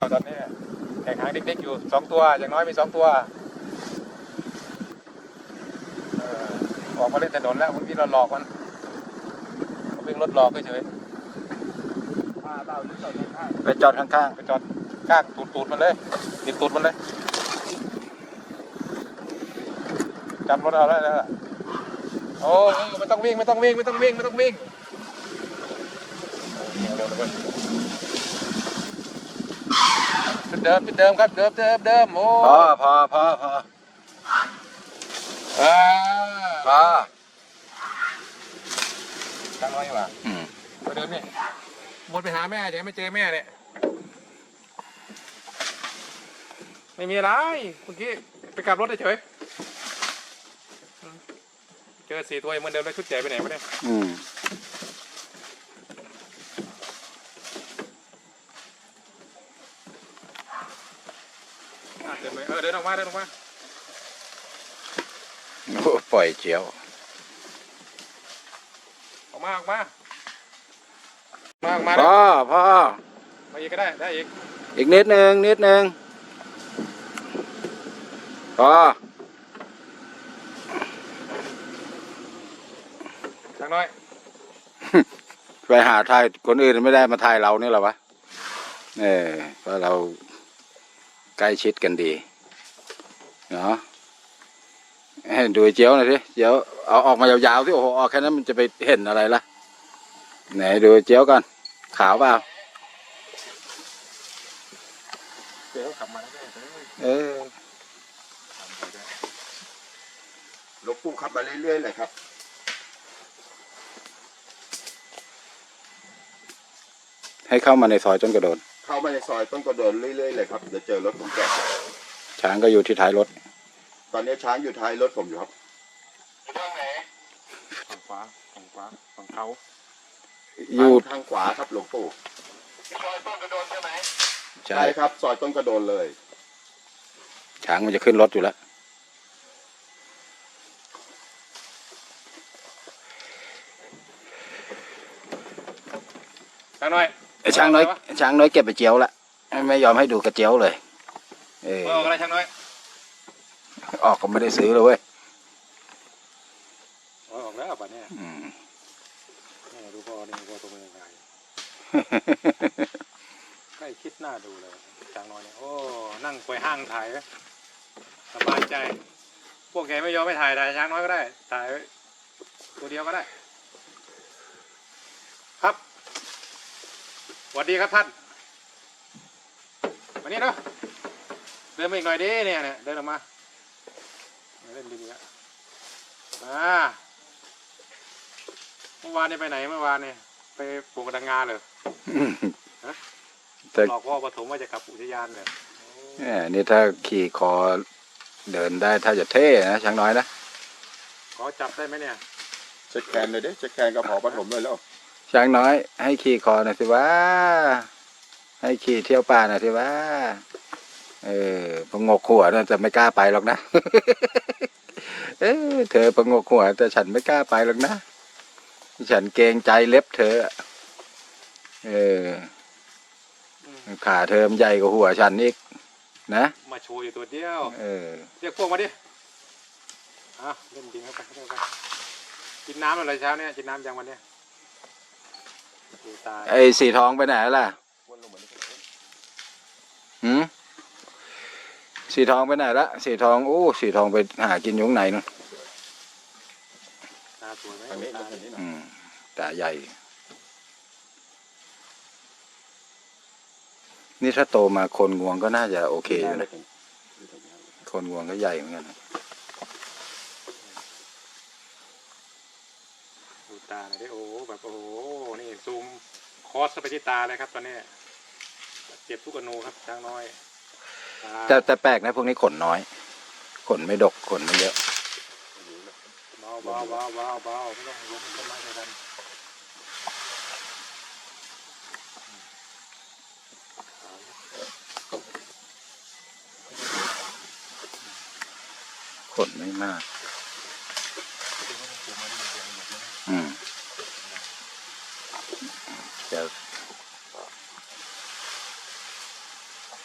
ตอนนี้แข่งหางเด็กๆอยู่2 ตัวอย่างน้อยมี2 ตัวออกมาเล่นถนนแล้วบางทีเราหลอกมันวิ่งรถหลอกเฉยไปจอดข้างๆไปจอดข้างตูดมันเลยติดตูดมันเลยจำรถเอาแล้วนะโอ้ไม่ต้องวิ่งเดิมครับเดิมโอ้พอพอตั้งไว้ว่ะไปเดินนี่วนไปหาแม่จะไม่เจอแม่เนี่ยไม่มีอะไรเมื่อกี้ไปกลับรถเฉยเจอ4 ตัวเหมือนเดิมแล้วชุดใหญ่ไปไหนวะเนี่ยเดินไปเดินออกมาโอ้ปล่อยเจียวออกมาพ่อมาอีกก็ได้อีกนิดนึงพ่อจังน้อยไปหาถ่ายคนอื่นไม่ได้มาถ่ายเราเนี่ยหรอวะเพราะเราใกล้ชิดกันดีเนาะดูเจียวหน่อยสิเจียวเอาออกมายาวๆที่โอ้โหออกแค่นั้นมันจะไปเห็นอะไรล่ะไหนดูเจียวกันขาวเปล่าเดี๋ยวกลับมาแล้วหลวงปู่ขับมาเรื่อยๆเลยครับให้เข้ามาในซอยต้นกระโดนเข้ามาในซอยต้นกระโดนเรื่อยๆเลยครับเดี๋ยวเจอรถผมแกะช้างก็อยู่ที่ท้ายรถตอนนี้ช้างอยู่ท้ายรถผมอยู่ครับอยู่ทางไหนฝั่งขวาฝั่งเขาอยู่ทางขวาครับหลวงปู่ซอยต้นกระโดนใช่ไหมใช่ครับซอยต้นกระโดนเลยช้างมันจะขึ้นรถอยู่แล้วช้างน้อยช้างน้อยเก็บไปเจียวละไม่ยอมให้ดูกระเจียวเลยออกอะไรช้างน้อยออกก็ไม่ได้ซื้อเลยเว้ยออกแล้วป่ะเนี่ยดูพ่อนี่พ่อตัวเป็นยังไงใกล้คิดหน้าดูเลยช้างน้อยเนี่ยโอ้นั่งไปห้างถ่ายสบายใจพวกแกไม่ยอมไม่ถ่ายช้างน้อยก็ได้ถ่ายตัวเดียวก็ได้ครับสวัสดีครับท่านมานี่เนาะเดินมาอีกหน่อยดิเนี่ยเดินออกมาเล่นดีๆแล้วเมื่อวานนี่ไปไหนเมื่อวานเนี่ยไปปลูกกระดังงาเลยหลอกพ่อปฐมว่าจะกลับอุทยานเลยนี่ถ้าขี่คอเดินได้ถ้าจะเท่นะช้างน้อยนะขอจับได้ไหมเนี่ยเช็คแคนเลยดิเช็คแคนกับหอปฐมเลยแล้วช้างน้อยให้ขี่คอหน่อยสิว่าให้ขี่เที่ยวป่าหน่อยสิว่าประงกหัวน่าจะไม่กล้าไปหรอกนะเธอประงกหัวแต่ฉันไม่กล้าไปหรอกนะฉันเกรงใจเล็บเธอขาเธอมันใหญ่กว่าหัวฉันอีกนะมาโชว์อยู่ตัวเดียวเรียกพวกมาดิเล่นจริงเข้าไปกินน้ำอะไรเช้าเนี่ยกินน้ำยังวันเนี้ยไอ้สีทองไปไหนล่ะสีทองไปไหนละสีทองสีทองไปหากินยุ้งไหนนู่นตาสวยไหมตาใหญ่นี่ถ้าโตมาคนงวงก็น่าจะโอเคอยู่นะคนงวงก็ใหญ่เหมือนกันดูตาหน่อยดิแบบนี่ซูมคอสไปที่ตาเลยครับตอนนี้เจ็บทุกอนูครับช้างน้อยแต่แปลกนะพวกนี้ขนน้อยขนไม่ดกขนไม่เยอะเบาไม่ต้องล้มต้นไม้กันขนไม่มากจะ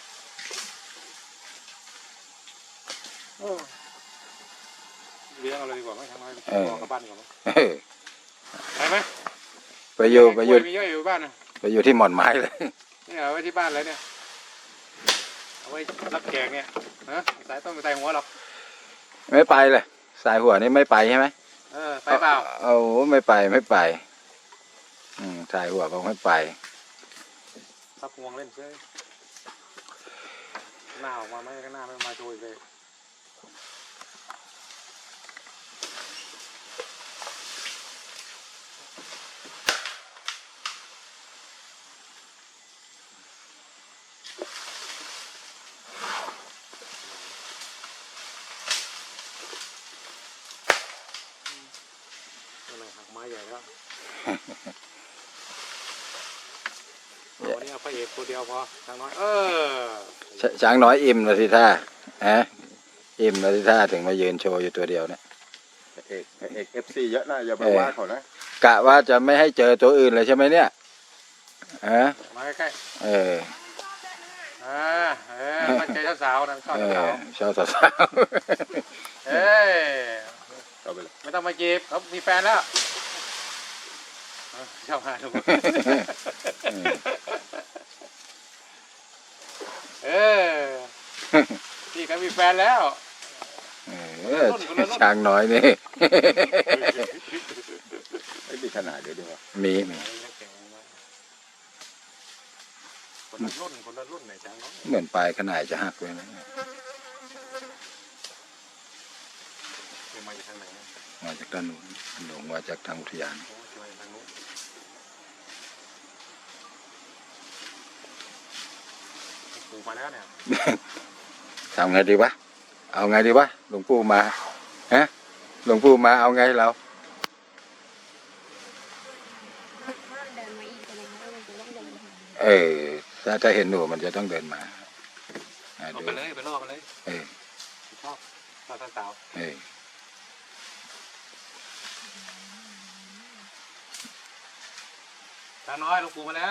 น้อยเออพ่อกลับบ้านก่อนมั้งเออไปไหมไปอยู่กล้วยมีเยอะอยู่บ้านนะไปอยู่ที่หม่อนไม้เลยเนี่ยเอาไว้ที่บ้านเลยเนี่ยเอาไว้รับแขกเนี่ยฮะสายต้นไปใส่หัวหรอกไม่ไปเลยสายหัวนี่ไม่ไปใช่ไหมไปเปล่าเอาไม่ไปสายหัวบอกไม่ไปทับงวงเล่นเฉยหน้าออกมาไหมก็หน้าไม่มาโชยเลยหักไม้ใหญ่แล้ววันนี้เอาพระเอกตัวเดียวพอทางน้อยช้างน้อยอิ่มเลยสิท่าฮะอิ่มเลยสิท่าถึงมายืนโชว์อยู่ตัวเดียวเนี่ยเอกFC เยอะนะอย่าไปว่าเขานะกะว่าจะไม่ให้เจอตัวอื่นเลยใช่ไหมเนี่ยฮะมาใกล้เออมันใจสาวๆนะชอบสาวชอบสาวเอ้ยเอาไปเลยไม่ต้องมาจีบเขามีแฟนแล้วชอบหาดูพี่ก็มีแฟนแล้วช้างน้อยนี่ไม่มีขนาดเดี๋ยวดีกว่ามีคนละรุ่นไหนจังเนาะเหมือนปลายขนาดจะหักเลยนะมาจากทางไหนมาจากด้านนู้นหลงมาจากทางอุทยานโอ้ยมาจากทางนู้นปู่มาแล้วเนี่ยทำไงดีวะเอาไงดีวะหลวงปู่มาฮะหลวงปู่มาเอาไงเราถ้าเห็นหนูมันจะต้องเดินมาเอาไปเลยไปล่อมันเลยชอบสาวทางน้อยหลวงปู่มาแล้ว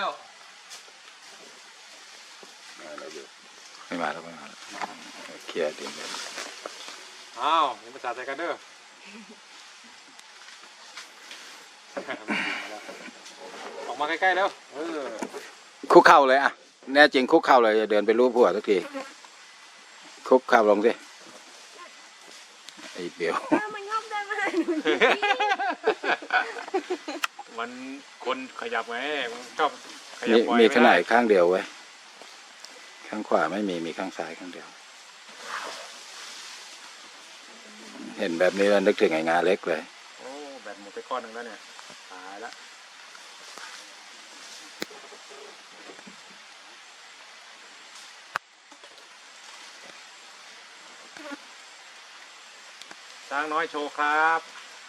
ไม่มาแล้วเคลียร์เดี๋ยวอ้าวยังภาษาไทยกันเด้อออกมาใกล้ๆแล้วคุกเข่าเลยอ่ะแน่จริงคุกเข่าเลยจะเดินไปรูปหัวสักทีคุกเข่าลงสิไอ้เปียวมันงอบได้ไหมมันคนขยับไงมันชอบขยับบ่อยมีขนาดข้างเดียวไว้ข้างขวาไม่มีข้างซ้ายข้างเดียวเห็นแบบนี้แล้วนึกถึงไอ้งาเล็กเลยโอ้แบบหมดไปก้อนหนึ่งแล้วเนี่ยตายละช้างน้อยโชว์ครับ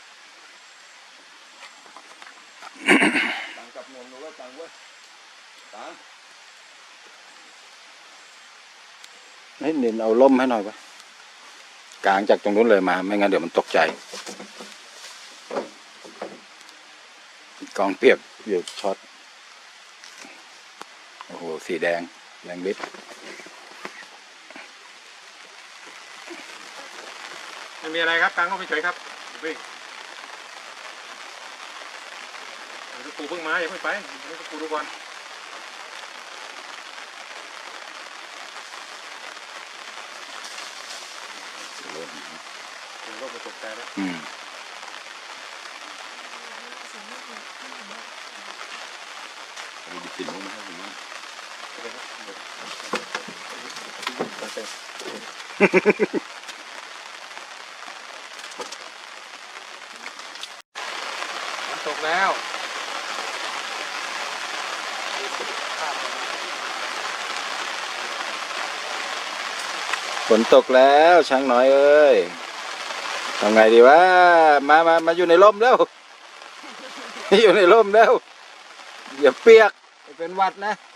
ตังกับนมรู้ว่าตังเว้ยตังให้นินเอาล่มให้หน่อยปะกลางจากตรงนู้นเลยมาไม่งั้นเดี๋ยวมันตกใจกองเปียกอยู่ช็อตโอ้โหสีแดงฤทธิ์ไม่มีอะไรครับกลางก็ไปเฉยครับวิ่งปูเพิ่งมาอย่าเพิ่งไปให้ปูดูก่อนผมก็ประสบใจแล้วมีกินมั้งไหมครับผมว่ามันตกแล้วฝนตกแล้วช้างน้อยเอ้ยทำไงดีวะมาอยู่ในร่มแล้ว อยู่ในร่มแล้วอย่าเปียกเป็นหวัดนะ